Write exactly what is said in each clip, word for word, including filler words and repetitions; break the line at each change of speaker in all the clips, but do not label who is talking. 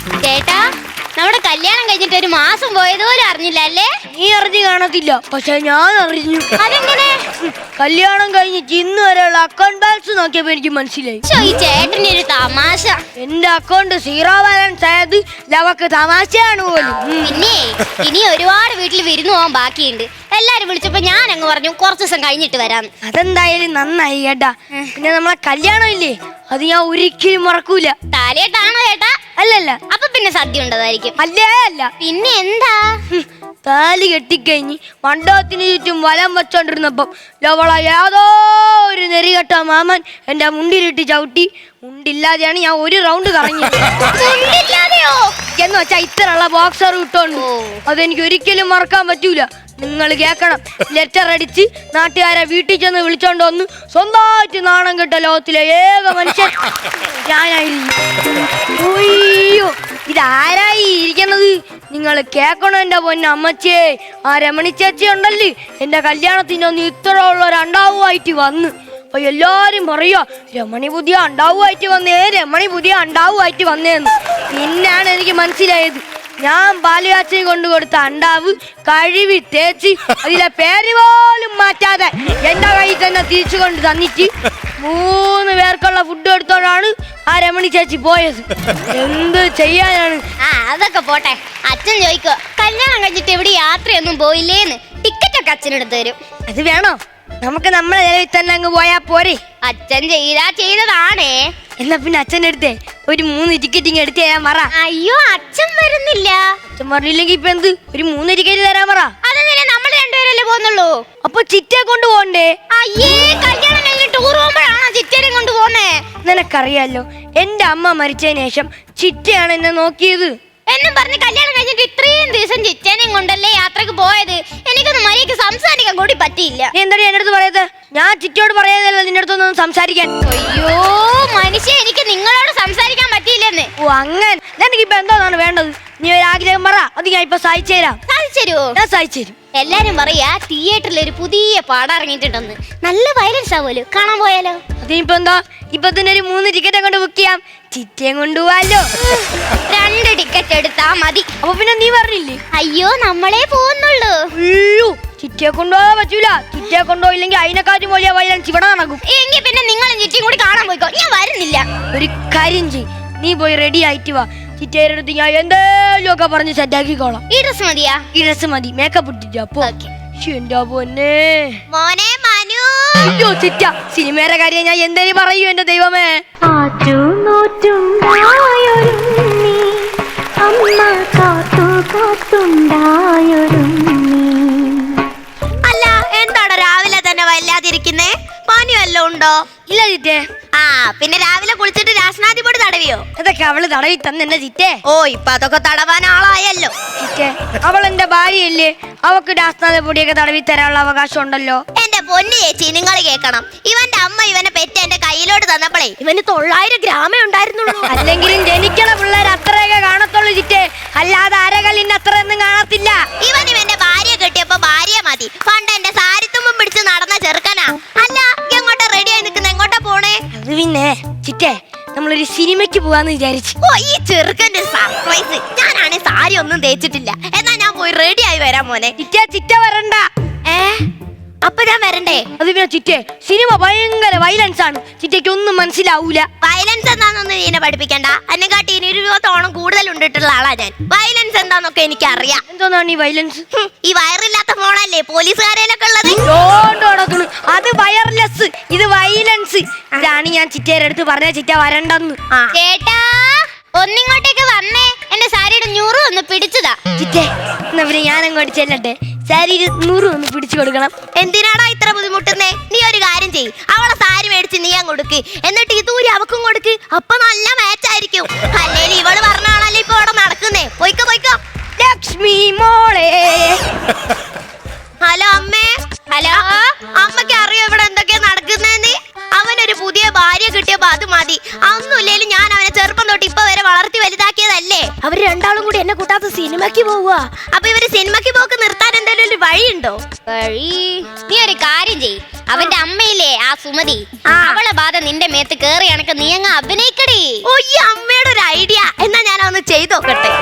ചേട്ടാ, നമ്മുടെ കല്യാണം കഴിഞ്ഞിട്ട് ഒരു മാസം പോയതുപോലും അറിഞ്ഞില്ല അല്ലേ?
നീ അറിഞ്ഞു കാണത്തില്ല, പക്ഷെ ഞാൻ അറിഞ്ഞു.
അതെങ്ങനെ?
കല്യാണം കഴിഞ്ഞിട്ട് ഇന്ന് വരെയുള്ള അക്കൗണ്ട് ബാലൻസ് നോക്കിയപ്പോ എനിക്ക് മനസ്സിലായി.
ഈ ചേട്ടന്റെ ഒരു തമാശ.
എന്റെ അക്കൗണ്ട് സീറോ ബാലൻസ് ആയത് ലവക്ക് തമാശയാണ് പോലും.
പിന്നെ ഇനി ഒരുപാട് വീട്ടിൽ വിരുന്ന് പോകാൻ ബാക്കിയുണ്ട്. എല്ലാരും വിളിച്ചപ്പോ ഞാൻ അങ്ങ് പറഞ്ഞു കുറച്ചു ദിവസം കഴിഞ്ഞിട്ട് വരാം.
അതെന്തായാലും നന്നായി കേട്ടാ. പിന്നെ നമ്മളെ കല്യാണം ഇല്ലേ, അത് ഞാൻ ഒരിക്കലും മറക്കൂല.
താലിയായിട്ടാണോ ചേട്ടാ?
അല്ലല്ല.
അപ്പൊ പിന്നെ സദ്യ ഉണ്ടതായിരിക്കും.
അല്ലേ അല്ല.
പിന്നെ എന്താ?
താലി കെട്ടിക്കഴിഞ്ഞ് മണ്ഡപത്തിന് ചുറ്റും വലം വെച്ചോണ്ടിരുന്നപ്പം ലവള ഏതോ ഒരു നെറികെട്ട മാമൻ എന്റെ മുണ്ടിലിട്ട് ചവിട്ടി. മുണ്ടില്ലാതെയാണ് ഞാൻ ഒരു റൗണ്ട് കറങ്ങിയത്. എന്ന് വെച്ചാ ഇത്രയുള്ള ബോക്സർ ഇട്ടോണ്ട്. അതെനിക്ക് ഒരിക്കലും മറക്കാൻ പറ്റൂല. നിങ്ങൾ കേക്കണം, ലെറ്റർ അടിച്ച് നാട്ടുകാരെ വീട്ടിൽ ചെന്ന് വിളിച്ചോണ്ട് വന്ന് സ്വന്തമായിട്ട് നാണം കെട്ട ലോകത്തിലെ ഏക മനുഷ്യൻ ഞാനായിരുന്നു. അയ്യോ, ഇതാരായി ഇരിക്കണത്? നിങ്ങൾ കേക്കണം എന്റെ പൊന്ന അമ്മച്ചേ. ആ രമണി ചേച്ചി ഉണ്ടല്ലേ, എന്റെ കല്യാണത്തിനൊന്ന് ഇത്ര ഉള്ള രണ്ടാവുമായിട്ട് വന്ന്. അപ്പൊ എല്ലാരും പറയാ രമണി പുതിയ അണ്ടാവുമായിട്ട് വന്നേ, രമണി പുതിയ അണ്ടാവുമായിട്ട് വന്നേന്ന്. പിന്നാണ് എനിക്ക് മനസ്സിലായത്, ഞാൻ ബാലുകാച്ചന് കൊണ്ടു കൊടുത്ത അണ്ടാവ് കഴുകി തേച്ച് അതിലെ പേര് പോലും മാറ്റാതെ എന്റെ കയ്യിൽ തന്നെ തിരിച്ചു കൊണ്ട് തന്നിട്ട് മൂന്ന് പേർക്കുള്ള ഫുഡ് എടുത്തോണ്ടാണ് ആ രമണി ചേച്ചി പോയത്. എന്ത് ചെയ്യാനാണ്?
ആ അതൊക്കെ പോട്ടെ. അച്ഛൻ ചോദിക്കോ കല്യാണം കഴിഞ്ഞിട്ട് എവിടെ യാത്രയൊന്നും പോയില്ലേന്ന്. ടിക്കറ്റ് ഒക്കെ അച്ഛനെടുത്ത് തരും.
അത് വേണോ? നമുക്ക് നമ്മളെ നിലവിൽ തന്നെ അങ്ങ് പോയാ പോരെ.
അച്ഛൻ ചെയ്താ ചെയ്തതാണേ.
എന്നാ പിന്നെ അച്ഛൻ്റെ അടുത്തേ ഒരു മൂന്ന് ടിക്കറ്റിങ് എടുത്ത് തരാൻ പറ.
അയ്യോ, അച്ഛൻ വരുന്നില്ല.
അച്ഛൻ പറഞ്ഞില്ലെങ്കിൽ ഇപ്പൊ എന്ത്, ഒരു മൂന്ന് ടിക്കറ്റ് തരാൻ പറ.
അതെന്തിനാ? നമ്മൾ രണ്ടുപേരല്ലേ പോകുന്നുള്ളൂ.
അപ്പൊ ചിറ്റയെ കൊണ്ട് പോണ്ടേ?
അയ്യേ, കല്യാണം കഴിഞ്ഞ് ടൂർ പോകുമ്പോഴാണോ ചിറ്റേനെ കൊണ്ട് പോന്നേ?
നിനക്കറിയാലോ, എന്റെ അമ്മ മരിച്ചതിന് ശേഷം ചിറ്റയാണ് എന്നെ നോക്കിയത്.
എന്നും പറഞ്ഞ് കല്യാണം കഴിഞ്ഞിട്ട് ഇത്രയും ദിവസം ചിറ്റേനെയും കൊണ്ടല്ലേ യാത്രക്ക് പോയത്. എനിക്കൊന്നും മര്യാദക്ക് സംസാരിക്കാൻ കൂടി പറ്റിയില്ല.
എന്താടി എന്റെ അടുത്ത് പറയത്? ഞാൻ ചിറ്റയോട് പറയാതല്ല നിന്റെ അടുത്തൊന്നും സംസാരിക്കാൻ.
അയ്യോ മനുഷ്യ, എനിക്ക് നിങ്ങളോട് സംസാരിക്കാൻ പറ്റിയില്ലെന്ന്.
ഓ അങ്ങനെ. എനിക്കിപ്പോ എന്തോന്നാണ് വേണ്ടത്? നീ ഒരു ആഗ്രഹം പറ, അത് ഞാൻ ഇപ്പൊ സഹായിച്ചു തരാം.
സാധിച്ചു തരുമോ?
ഞാൻ സഹായിച്ചു തരും.
എല്ലാരും പറയാ തിയേറ്ററിൽ ഒരു പുതിയ പാടം ഇറങ്ങിയിട്ടുണ്ടെന്ന്. നല്ല വയലൻസ് ആവുമല്ലോ, കാണാൻ പോയാലോ?
അതിനിപ്പോ എന്താ, ഇപ്പൊ തന്നെ ഒരു മൂന്ന് ടിക്കറ്റ് അങ്ങോട്ട് ബുക്ക് ചെയ്യാം. ചിറ്റയും കൊണ്ടുപോവാലോ.
രണ്ട് ടിക്കറ്റ് എടുത്താ മതി.
അപ്പൊ പിന്നെ നീ പറഞ്ഞില്ലേ?
അയ്യോ, നമ്മളെ പോകുന്നുള്ളൂ.
അയ്യോ, ചിറ്റയെ കൊണ്ടുപോകാൻ പറ്റൂല. ചിറ്റയെ കൊണ്ടുപോയില്ലെങ്കിൽ അതിനെക്കാട്ടും വലിയ വയലൻസ് ഇവിടെ നടക്കും.
എങ്കിൽ പിന്നെ നിങ്ങളും ചിറ്റയും കൂടി കാണാൻ പോയിക്കോ. ഞാൻ വരുന്നില്ല.
ഒരു കാര്യം ചെയ്, നീ പോയി റെഡി ആയിട്ട് വാ. ചിറ്റയുടെ അടുത്ത് ഞാൻ എന്തേലും ഒക്കെ പറഞ്ഞ് സെറ്റാക്കിക്കോളാം.
ഈ ഡ്രസ് മതിയാ?
ഈ ഡ്രസ് മതി. മേക്കപ്പ് ഇട്ടിട്ട് അപ്പൊ എന്റെ പൊന്നെ
മോനെ മനു.
അയ്യോ ചിറ്റ, സിനിമയുടെ കാര്യം ഞാൻ എന്തേലും പറയൂ എന്റെ ദൈവമേ.
അല്ല, എന്താണ് രാവിലെ തന്നെ വല്ലാതിരിക്കുന്നേ? പനി വല്ലതും ഉണ്ടോ?
ഇല്ല ചിറ്റേ.
ആ പിന്നെ രാവിലെ കുളിച്ചിട്ട് രാസനാദി പൊടി തടവിയോ?
അതൊക്കെ അവള് തടവി തന്നെ എന്റെ ചിറ്റേ.
ഓ, ഇപ്പൊ അതൊക്കെ തടവാൻ ആളായല്ലോ.
ചിറ്റേ, അവൾ എന്റെ ഭാര്യയല്ലേ, അവക്ക് രാസനാദ പൊടിയൊക്കെ തടവി തരാനുള്ള അവകാശം ഉണ്ടല്ലോ.
എന്റെ പൊന്നു ചേച്ചി, നിങ്ങൾ കേൾക്കണം. ഇവന്റെ അമ്മ ഇവനെ പെറ്റ് എന്റെ കയ്യിലോട്ട് തന്നപ്പോഴേ ഇവന് തൊള്ളായിരം ഗ്രാമേ ഉണ്ടായിരുന്നുള്ളൂ.
അല്ലെങ്കിലും ജനിക്കണ പിള്ളേർ അത്രയൊക്കെ കാണത്തുള്ളൂ ചിറ്റേ, അല്ലാതെ അരകല്ലിന് അത്രയൊന്നും കാണത്തില്ല.
ഇവൻ ഇവന്റെ ഭാര്യ കെട്ടിയപ്പോ ഭാര്യ മതി. പണ്ട് എന്റെ സാരിത്തുമ്പം പിടിച്ച് നടന്ന ചെറുക്കനാ. അല്ല, എങ്ങോട്ടാ റെഡി ആയി നിൽക്കുന്ന? എങ്ങോട്ടാ പോണേ?
അത് പിന്നെ ചിറ്റേ, നമ്മളൊരു സിനിമയ്ക്ക് പോവാന്ന് വിചാരിച്ചു.
ഓ, ഈ ചെറുക്കന്റെ സർപ്രൈസ്. ഞാനാണെ സാരി ഒന്നും തേച്ചിട്ടില്ല. എന്നാ ഞാൻ പോയി റെഡി ആയി വരാം മോനെ.
ചിറ്റേ, ചിറ്റ വരണ്ട.
ഏ അപ്പൊ ഞാൻ വരണ്ടേ?
അത് പിന്നെ ചിറ്റേ, സിനിമ ഭയങ്കര വയലൻസ് ആണ്. ചിറ്റയ്ക്ക് ഒന്നും മനസ്സിലാവൂല.
വയലൻസ് എന്താന്നൊന്നും നീനെ പഠിപ്പിക്കണ്ട. എന്നെക്കാട്ടി ഇനി ഒരു ഇരുപത്തോളം കൂടുതൽ ഉണ്ടിട്ടുള്ള ആളാ ഞാൻ. വയലൻസ് എന്താന്നൊക്കെ എനിക്കറിയാം.
എന്തോന്നാണ് ഈ വയലൻസ്?
ഈ വയറില്ലാത്ത ഫോണല്ലേ പോലീസുകാരയിലൊക്കെ ഉള്ളത്?
അത് വയർലെസ്, ഇത് വയലൻസ്. ഇതാണ് ഞാൻ ചിറ്റയുടെ അടുത്ത് പറഞ്ഞ ചിറ്റ വരണ്ടെന്ന്.
ചേട്ടാ, ഒന്നിങ്ങോട്ടേക്ക് വന്നേ. എന്റെ സാരിയുടെ ഞൂറ് ഒന്ന് പിടിച്ചതാ.
ചിറ്റേ, എന്നാ പിന്നെ ഞാൻ അങ്ങോട്ട് ചെല്ലട്ടെ. സാരി നൂറ് ഒന്ന് പിടിച്ചു കൊടുക്കണം.
എന്തിനാടാ ഇത്ര ബുദ്ധിമുട്ടുന്നേ? നീ ഒരു കാര്യം ചെയ്യ്, അവളെ സാരി മേടിച്ച് നീ അങ്ങ് കൊടുക്ക്. എന്നിട്ട് ഈ തൂരി അവക്കും കൊടുക്ക്. അപ്പൊ നല്ല മാച്ച് ആയിരിക്കും. അല്ലെങ്കിൽ ഇവള് പറഞ്ഞാണല്ലോ ഇപ്പൊ ഇവിടെ നടക്കുന്നേ. പോയിക്കോ പോയിക്കോ.
ലക്ഷ്മി മോളെ.
ഹലോ അമ്മേ. ഹലോ, അമ്മക്ക് അറിയോ ഇവിടെ എന്തൊക്കെയാ നടക്കുന്നേന്ന്? അവനൊരു പുതിയ ഭാര്യ കിട്ടിയപ്പോ അത് മതി. അതൊന്നുമില്ലേലും ഞാൻ അവനെ ചെറുപ്പം തൊട്ട് ഇപ്പൊ വരെ വളർത്തി വലുതാക്കിയതല്ലേ. അവര് രണ്ടാളും കൂടി എന്നെ കൂട്ടാത്ത സിനിമയ്ക്ക് പോവുക. അപ്പൊ ഇവര് സിനിമയ്ക്ക് പോക്ക് നിർത്താൻ എന്തെങ്കിലും ഒരു വഴിയുണ്ടോ?
വഴി നീ ഒരു കാര്യം ചെയ്, അവന്റെ അമ്മയില്ലേ ആ സുമതി,
ആ.
അവളെ ബാധ നിന്റെ മേത്ത് കേറി കണക്ക് നീ അങ്ങ് അഭിനയിക്കടി.
ഓ ഈ അമ്മയുടെ ഒരു ഐഡിയ, എന്നാ ഞാൻ ഒന്ന് ചെയ്ത് നോക്കട്ടെ.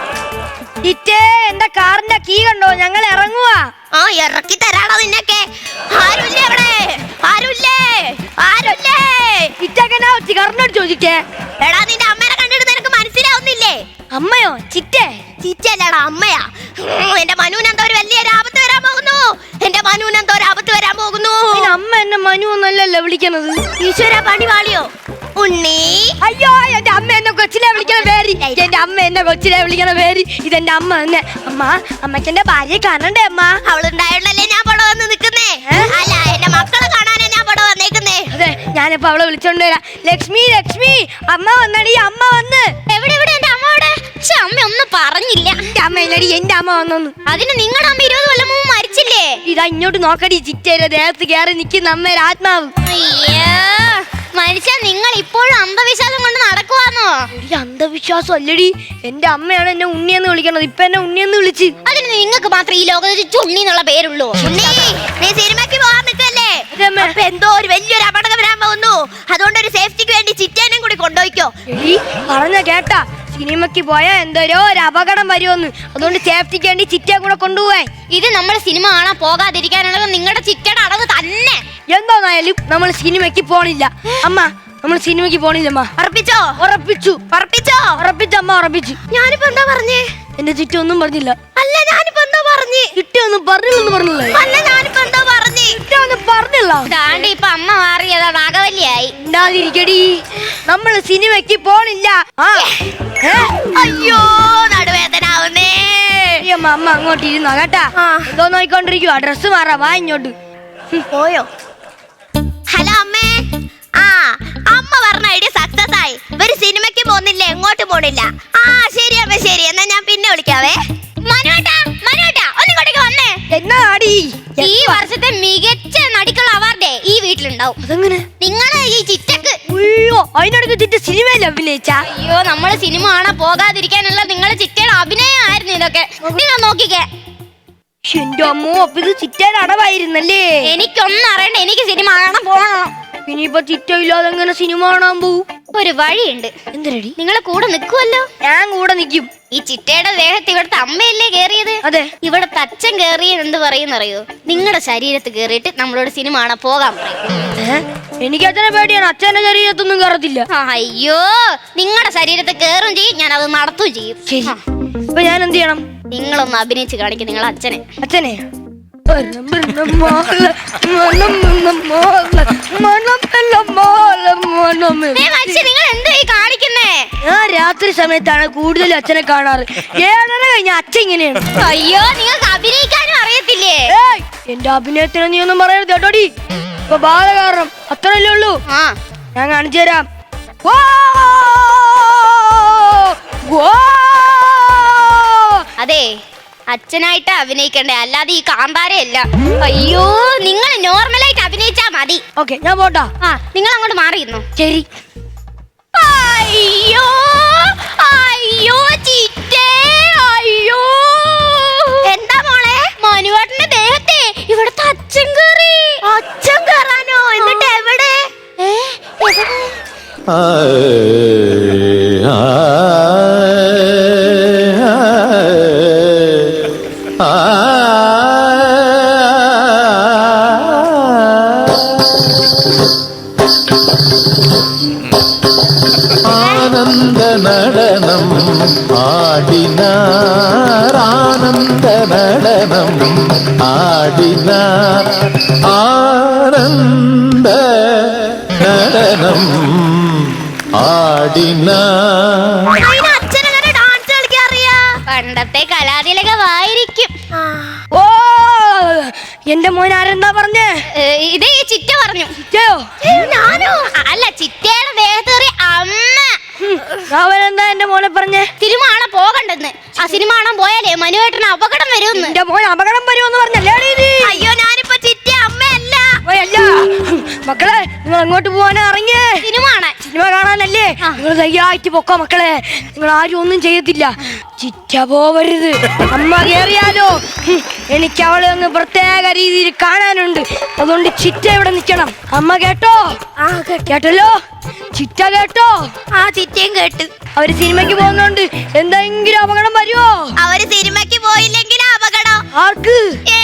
ചിറ്റേ എന്റെ കാറിന്റെ കീ കണ്ടോ? ഞങ്ങൾ ഇറങ്ങുവാ.
ആ ഇറക്കി തരാണോ നിന്നൊക്കെ? ആരുല്ലേ അവിടെ? ആരുല്ലേ? ആരുല്ലേ?
ചിറ്റക്കനാ കാറിനോട് ചോദിക്കേ.
എടാ നിന്റെ അമ്മേനെ കണ്ടിട്ട് നിനക്ക് മനസ്സിലാവുന്നില്ലേ?
അമ്മയോ? ചിറ്റേ
ചിറ്റല്ലടാ അമ്മയാ. ഉം, എന്റെ മനുവിന് എന്തോ ഒരു വലിയൊരു ആപത്ത് വരാൻ പോകുന്നു. എന്റെ മനുവിന് എന്തോ ഒരു ആപത്ത് വരാൻ പോകുന്നു.
പിന്നെ അമ്മ എന്നെ മനു എന്നല്ലല്ലോ വിളിക്കണത്.
ഈശ്വര പണി വാളിയോ ഉണ്ണി?
അയ്യോ എന്റെ അമ്മ എന്നെ കൊച്ചിലെ വിളിക്കണ പേര്. എന്റെ അമ്മ എന്നെ കൊച്ചിലെ വിളിക്കണ പേര്. ഇതെന്റെ അമ്മ തന്നെ. അമ്മ അമ്മയ്ക്ക് എന്റെ ഭാര്യയെ കാണണ്ടേ അമ്മ?
അവളുണ്ടായോണ്ടല്ലേ ഞാൻ ഇവിടെ വന്ന് നിക്കുന്നേ. അല്ല എന്റെ മക്കളെ കാണാനേ ഞാൻ ഇവിടെ വന്നേക്കുന്നേ.
അതെ ഞാനിപ്പോ അവളെ വിളിച്ചോണ്ട് വരാം. ലക്ഷ്മി ലക്ഷ്മി അമ്മ വന്നടി. അമ്മ വന്ന്.
എവിടെ എവിടെ എന്റെ അമ്മ അവിടെ? പക്ഷെ അമ്മ ഒന്നും പറഞ്ഞില്ല.
എന്റെ അമ്മ ഇല്ലടി, എന്റെ അമ്മ വന്നു.
അതിന് നിങ്ങളുടെ അമ്മ ഇരുപത് കൊല്ലം മുമ്പ് മരിച്ചില്ലേ?
ഇതാ ഇങ്ങോട്ട് നോക്കടി, ചിറ്റേരെ ദേഹത്ത് കയറി നിൽക്കുന്ന അമ്മയുടെ ആത്മാവ്.
അയ്യോ മനുഷ്യ, നിങ്ങൾ ഇപ്പോഴും അന്ധവിശ്വാസം കൊണ്ട് നടക്കുവാന്നോ?
ഈ അന്ധവിശ്വാസം അല്ലടി, എന്റെ അമ്മയാണ് എന്നെ ഉണ്ണിയെന്ന് വിളിക്കണത്. ഇപ്പൊ എന്നെ ഉണ്ണിയെന്ന് വിളിച്ച്.
അതിന് നിങ്ങൾക്ക് മാത്രം ഈ ലോകത്ത് ചുണ്ണി എന്നുള്ള പേരുള്ളൂ.
ഉണ്ണി നീ സിനിമയ്ക്ക് പോകാൻ നിൽക്കല്ലേ? അപ്പൊ എന്തോ ഒരു വലിയൊരു അപകടം വരാൻ പോകുന്നു. അതുകൊണ്ട് ഒരു സേഫ്റ്റിക്ക് വേണ്ടി ചിറ്റേനും കൂടി കൊണ്ടുപോയിക്കോ.
എടി പറഞ്ഞ കേട്ടാ, സിനിമയ്ക്ക് പോയാ എന്തോരോ ഒരു അപകടം വരുമെന്ന്. അതുകൊണ്ട് സേഫ്റ്റിക്ക് വേണ്ടി ചിറ്റയെ കൂടെ കൊണ്ടുപോവാൻ.
ഇത് നമ്മൾ സിനിമ കാണാൻ പോകാതിരിക്കാനുള്ളത് നിങ്ങളുടെ ചിറ്റയുടെ അടവ് തന്നെ.
എന്തായാലും നമ്മൾ സിനിമയ്ക്ക് പോണില്ല അമ്മ. നമ്മൾ സിനിമയ്ക്ക് പോണില്ലമ്മ.
ഉറപ്പിച്ചോ?
ഉറപ്പിച്ചു.
ഉറപ്പിച്ചോ?
ഉറപ്പിച്ചമ്മ ഉറപ്പിച്ചു.
ഞാനിപ്പോ എന്താ പറഞ്ഞേ?
എന്റെ ചിറ്റ ഒന്നും പറഞ്ഞില്ല.
അല്ല ഞാനിപ്പോ എന്താ പറഞ്ഞേ?
ചിറ്റ ഒന്നും പറഞ്ഞില്ലെന്ന് പറഞ്ഞില്ലേ?
അല്ല ഞാനിപ്പോ എന്താ പറഞ്ഞേ?
ചിറ്റ ഒന്നും പറഞ്ഞില്ല.
ദാണ്ടി ഇപ്പൊ അമ്മ മാറിയതാ, നാഗവല്ലിയായി.
ഉണ്ടാതിരിക്കടി, നമ്മൾ സിനിമയ്ക്ക് പോണില്ല. ആ ഏ?
അയ്യോ നടുവേദന ആവുന്നേ.
അമ്മ അമ്മ അങ്ങോട്ട് ഇരുന്നോ കേട്ടാ.
ആ.
എന്തോ നോയിക്കൊണ്ടിരിക്കുവാ. ഡ്രസ്സ് മാറാ, വാ ഇങ്ങോട്ട്.
പോയോ? ഹലോ അമ്മേ. ആ അമ്മ പറഞ്ഞ ഐഡിയ സക്സസ് ആയി. ഒരു സിനിമയ്ക്ക് പോകുന്നില്ല, എങ്ങോട്ട് പോണില്ല. ആ ശരി അമ്മ ശരി, എന്നാ ഞാൻ പിന്നെ വിളിക്കാവേ.
മനുവേട്ടാ മനുവേട്ടാ ഒന്നിങ്ങോട്ടേക്ക് വന്നേ.
എന്നാ ആടി
ഈ വർഷത്തെ മികച്ച നടിക്കുള്ള അവാർഡേ ഈ വീട്ടിലുണ്ടാവും.
അതെങ്ങനെ?
നിങ്ങള് ഈ ചിറ്റക്ക്.
അയ്യോ അതിനടുക്ക് ചിറ്റ സിനിമയിൽ അഭിനയിച്ച.
അയ്യോ നമ്മള് സിനിമ കാണാൻ പോകാതിരിക്കാനുള്ള നിങ്ങളെ ചിറ്റയുടെ അഭിനയമായിരുന്നു ഇതൊക്കെ. നിങ്ങൾ നോക്കിക്കേ.
എന്റെ അമ്മോ, അപ്പൊ ഇത് ചിറ്റയുടെ അടവായിരുന്നല്ലേ?
എനിക്കൊന്നും അറിയണ്ട, എനിക്ക് സിനിമ കാണാൻ പോകണം.
ഇനിയിപ്പൊ ചിറ്റ ഇല്ലാതെ എങ്ങനെ സിനിമ കാണാൻ പോവും?
ഒരു വഴിയുണ്ട്.
എന്തിനടി?
നിങ്ങളെ കൂടെ നിൽക്കുമല്ലോ.
ഞാൻ കൂടെ നിക്കും.
ഈ ചിറ്റയുടെ ദേഹത്ത് ഇവിടുത്തെ അമ്മയല്ലേ കേറിയത്?
അതെ.
ഇവിടുത്തെ അച്ഛൻ കേറിയത് എന്ത് പറയുന്നറിയോ? നിങ്ങളുടെ ശരീരത്ത് കേറിയിട്ട് നമ്മളോട് സിനിമ കാണാൻ പോകാൻ പറയും.
എനിക്ക് അച്ഛനെ പേടിയാണ്. അച്ഛന്റെ ശരീരത്തൊന്നും കയറത്തില്ല.
അയ്യോ നിങ്ങളുടെ ശരീരത്ത് കേറും ചെയ്യും, ഞാൻ അത് നടത്തും ചെയ്യും.
ശരി, ഇപ്പൊ ഞാൻ എന്ത് ചെയ്യണം?
നിങ്ങളൊന്ന് അഭിനയിച്ച് കാണിക്കും നിങ്ങളെ അച്ഛനെ.
അച്ഛനെ
നിങ്ങൾ എന്താ ഈ കാണിക്കുന്നേ?
ഞാൻ രാത്രി സമയത്താണ് കൂടുതൽ അച്ഛനെ കാണാറ്. ഏഴര കഴിഞ്ഞ അച്ഛൻ ഇങ്ങനെയാണ്.
അയ്യോ നിങ്ങൾക്ക് അഭിനയിക്കാനും അറിയത്തില്ലേ?
ഏയ്, എന്റെ അഭിനയത്തിന് നീ ഒന്നും പറയരുത് കേട്ടോടി. ഇപ്പൊ ബാധ കാരണം അത്രയല്ലേ ഉള്ളൂ.
ആ
ഞാൻ കാണിച്ചു തരാം. വാ! വാ!
അതെ അച്ഛനായിട്ട് അഭിനയിക്കണ്ടേ, അല്ലാതെ ഈ കാന്താരയല്ല. അയ്യോ നിങ്ങൾ നോർമലായിട്ട് അഭിനയിച്ചാ മതി.
ഓക്കെ ഞാൻ പോട്ടാ.
ആ നിങ്ങൾ അങ്ങോട്ട് മാറിയിരുന്നു.
ശരി.
അയ്യോ അയ്യോ ചിറ്റേ, അയ്യോ
എന്താ മോളെ?
മനുവേട്ടന്റെ ദേഹത്തെ ഇവിടുത്തെ അച്ഛൻ കേറി.
അച്ഛൻ കയറാനോ? എന്നിട്ട് എവിടെ?
ഏ, എവിടെ?
ആനന്ദ നടനം ആടിനാർ, ആനന്ദ നടനം ആടിനാർ, ആനന്ദ നടനം ആടിനാർ.
അതിന് അച്ഛനെങ്ങനെ ഡാൻസ് കളിക്കാൻ അറിയാ?
പണ്ടത്തെ കലാതിലകമായിരിക്കും.
ഓ എന്റെ മോൻ ആരെന്താ പറഞ്ഞേ?
ഏ, ഇത് ഈ ചിറ്റ പറഞ്ഞു.
ചിറ്റയോ?
ഞാനോ? അല്ല ചിറ്റയുടെ ദേഹത്ത് കയറി അമ്മ.
അവനെന്താ എന്റെ മോനെ പറഞ്ഞേ?
സിനിമ കാണാൻ പോകണ്ടെന്ന്. ആ സിനിമ കാണാൻ പോയാലേ മനുവേട്ടന് അപകടം വരുമെന്ന്.
എന്റെ മോൻ അപകടം വരുമെന്ന് പറഞ്ഞല്ലേ?
അയ്യോ ഞാനിപ്പോ ചിറ്റ അമ്മയല്ല.
അല്ല മക്കളെ, നിങ്ങൾ അങ്ങോട്ട് പോവാനാ ഇറങ്ങിയേ?
സിനിമ കാണാൻ.
സിനിമ കാണാനല്ലേ? നിങ്ങൾ ധൈര്യമായിട്ട് പൊക്കോ മക്കളെ, നിങ്ങൾ ആരും ഒന്നും ചെയ്യത്തില്ല. ചിറ്റ പോവരുത്, അമ്മ കേറിയാലോ ഹും, എനിക്ക് അവളെ ഒന്ന് പ്രത്യേക രീതിയിൽ കാണാനുണ്ട്. അതുകൊണ്ട് ചിറ്റ ഇവിടെ നിൽക്കണം. അമ്മ കേട്ടോ?
ആ
കേട്ടല്ലോ? ചിറ്റ കേട്ടോ?
ആ ചിറ്റയും കേട്ട്.
അവര് സിനിമയ്ക്ക് പോകുന്നോണ്ട് എന്തെങ്കിലും അപകടം വരുമോ?
അവര് സിനിമയ്ക്ക് പോയില്ലെങ്കിൽ അപകടം.
ആർക്ക്?